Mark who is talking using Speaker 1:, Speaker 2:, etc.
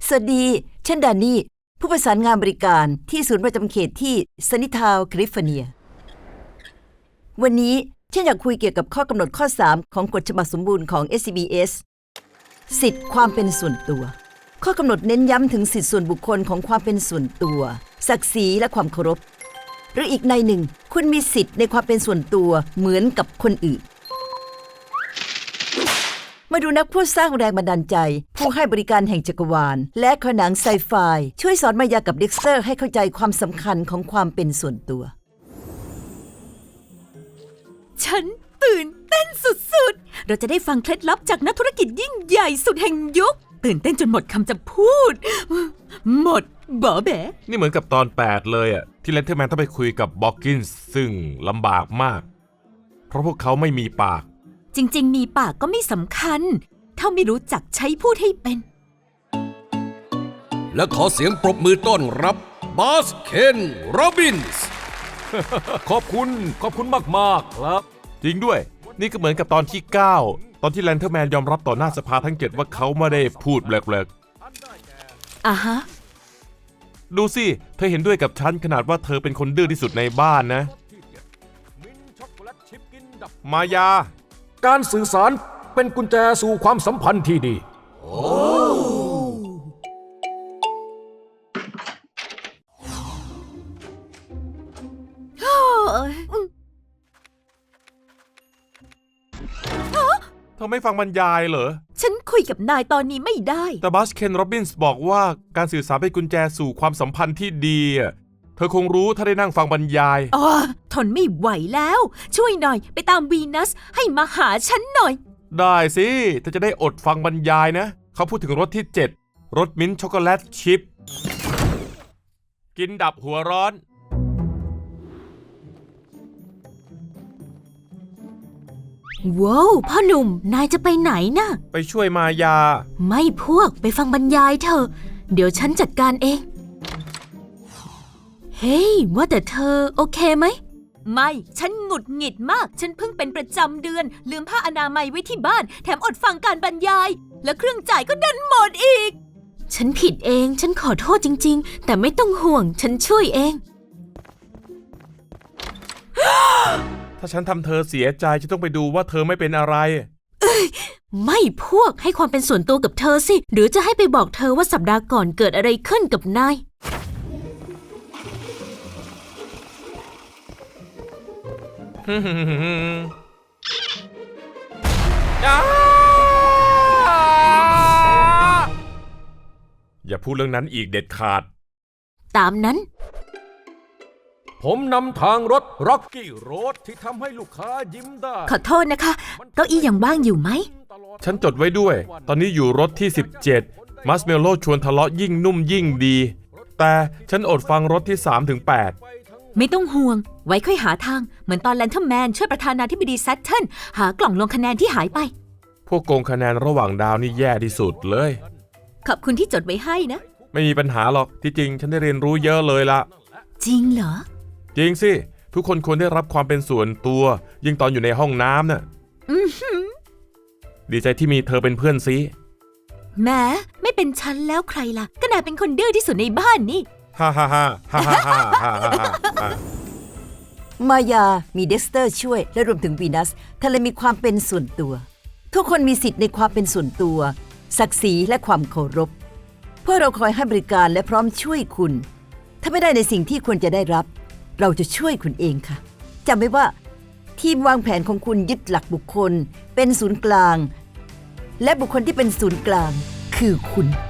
Speaker 1: สวัสดีฉันดานี่ผู้ประสานงานบริการที่ศูนย์ประจำเขตที่ซันนิทาวน์แคลิฟอร์เนียวันนี้ฉันอยากคุยเกี่ยวกับข้อกำหนดข้อ 3 ของกฎฉบับสมบูรณ์ของ SCBS สิทธิความเป็นส่วนตัวข้อกำหนดเน้นย้ำถึงสิทธิส่วนบุคคลของความเป็นส่วนตัวศักดิ์ศรีและความเคารพหรืออีกในหนึ่งคุณมีสิทธิ์ในความเป็นส่วนตัวเหมือนกับคนอื่นมาดูนักพูดสร้างแรงบันดาลใจผู้ให้บริการแห่งจักรวาลและขนังไซไฟช่วยสอนมายากับเด็กสเตอร์ให้เข้าใจความสำคัญของความเป็นส่วนตัว
Speaker 2: ฉันตื่นเต้นสุดๆเราจะได้ฟังเคล็ดลับจากนักธุรกิจยิ่งใหญ่สุดแห่งยุคตื่นเต้นจนหมดคำจะพูดหมดบ่อแบะ
Speaker 3: นี่เหมือนกับตอน 8 เลยอ่ะที่เลนเทอร์แมนต้องไปคุยกับบ็อกกินส์ซึ่งลำบากมากเพราะพวกเขาไม่มีปาก
Speaker 2: จริงๆมีปากก็ไม่สำคัญถ้าไม่รู้จักใช้พูดให้เป็น
Speaker 4: และขอเสียงปรบมือต้อนรับบาสเคนโรบินส์
Speaker 3: ขอบคุณมากๆครับจริงด้วยนี่ก็เหมือนกับตอนที่ 9 ตอนที่แลนเทอร์แมนยอมรับต่อหน้าสภาทั้ง 7ว่าเขาไม่ได้พูดแปลก
Speaker 2: ๆอ่ะฮะ
Speaker 3: ดูสิเธอเห็นด้วยกับฉันขนาดว่าเธอเป็นคนดื้อที่สุดในบ้านนะมายา
Speaker 4: การสื่อสารเป็นกุญแจสู่ความสัมพันธ์ที่ดี
Speaker 3: เธอไม่ฟังบรรยายเหรอ
Speaker 2: ฉันคุยกับนายตอนนี้ไม่ได้
Speaker 3: แต่บัสเคนโรบินส์บอกว่าการสื่อสารเป็นกุญแจสู่ความสัมพันธ์ที่ดีเธอคงรู้ถ้าได้นั่งฟังบรรยาย
Speaker 2: ทนไม่ไหวแล้วช่วยหน่อยไปตามวีนัสให้มาหาฉันหน่อย
Speaker 3: ได้สิเธอจะได้อดฟังบรรยายนะเขาพูดถึงรสที่ 7รสมิ้นท์ช็อกโกแลตชิพกินดับหัวร้อน
Speaker 2: ว้าวพ่อหนุ่มนายจะไปไหนนะ
Speaker 3: ไปช่วยมายา
Speaker 2: ไม่พวกไปฟังบรรยายเถอะเดี๋ยวฉันจัดการเองเฮ้ยว่าแต่เธอโอเคไหมไม่ฉันหงุดหงิดมากฉันเพิ่งเป็นประจำเดือนลืมผ้าอนามัยไว้ที่บ้านแถมอดฟังการบรรยายและเครื่องจ่ายก็ดันหมดอีกฉันผิดเองฉันขอโทษจริงๆแต่ไม่ต้องห่วงฉันช่วยเอง
Speaker 3: ถ้าฉันทำเธอเสียใจจะต้องไปดูว่าเธอไม่เป็นอะไร
Speaker 2: ไม่พวกให้ความเป็นส่วนตัวกับเธอสิหรือจะให้ไปบอกเธอว่าสัปดาห์ก่อนเกิดอะไรขึ้นกับนาย
Speaker 3: อย่าพูดเรื่องนั้นอีกเด็ดขาด
Speaker 2: ตามนั้น
Speaker 4: ผมนำทางรถร็อกกี้โรดที่ทำให้ลูกค้ายิ้มได้
Speaker 2: ขอโทษนะคะเก้าอี้ยังว่างอยู่ไหม
Speaker 3: ฉันจดไว้ด้วยตอนนี้อยู่รถที่ 17มัสเมลโล่ชวนทะเลาะยิ่งนุ่มยิ่งดีแต่ฉันอดฟังรถที่ 3-8
Speaker 2: ไม่ต้องห่วงไว้ค่อยหาทางเหมือนตอนแลนเทอร์แมนช่วยประธานาธิบดีแซตเทิลหากล่องลงคะแนนที่หายไป
Speaker 3: พวกโกงคะแนนระหว่างดาวนี่แย่ที่สุดเลย
Speaker 2: ขอบคุณที่จดไว้ให้นะ
Speaker 3: ไม่มีปัญหาหรอกที่จริงฉันได้เรียนรู้เยอะเลยละ
Speaker 2: จริงเหรอ
Speaker 3: จริงสิทุกคนควรได้รับความเป็นส่วนตัวยิ่งตอนอยู่ในห้องน้ำน่ะดีใจที่มีเธอเป็นเพื่อนซิ
Speaker 2: แม้ไม่เป็นฉันแล้วใครล่ะก็นายเป็นคนดื้อที่สุดในบ้านนี่
Speaker 3: ฮ่าฮ่าฮ่าฮ่าฮ่าฮ่าฮ่
Speaker 1: ามายามีเด็กสเตอร์ช่วยและรวมถึงวีนัสเธอเลยมีความเป็นส่วนตัวทุกคนมีสิทธิ์ในความเป็นส่วนตัวศักดิ์ศรีและความเคารพพวกเราคอยให้บริการและพร้อมช่วยคุณถ้าไม่ได้ในสิ่งที่ควรจะได้รับเราจะช่วยคุณเองค่ะจำไว้ว่าทีมวางแผนของคุณยึดหลักบุคคลเป็นศูนย์กลางและบุคคลที่เป็นศูนย์กลางคือคุณ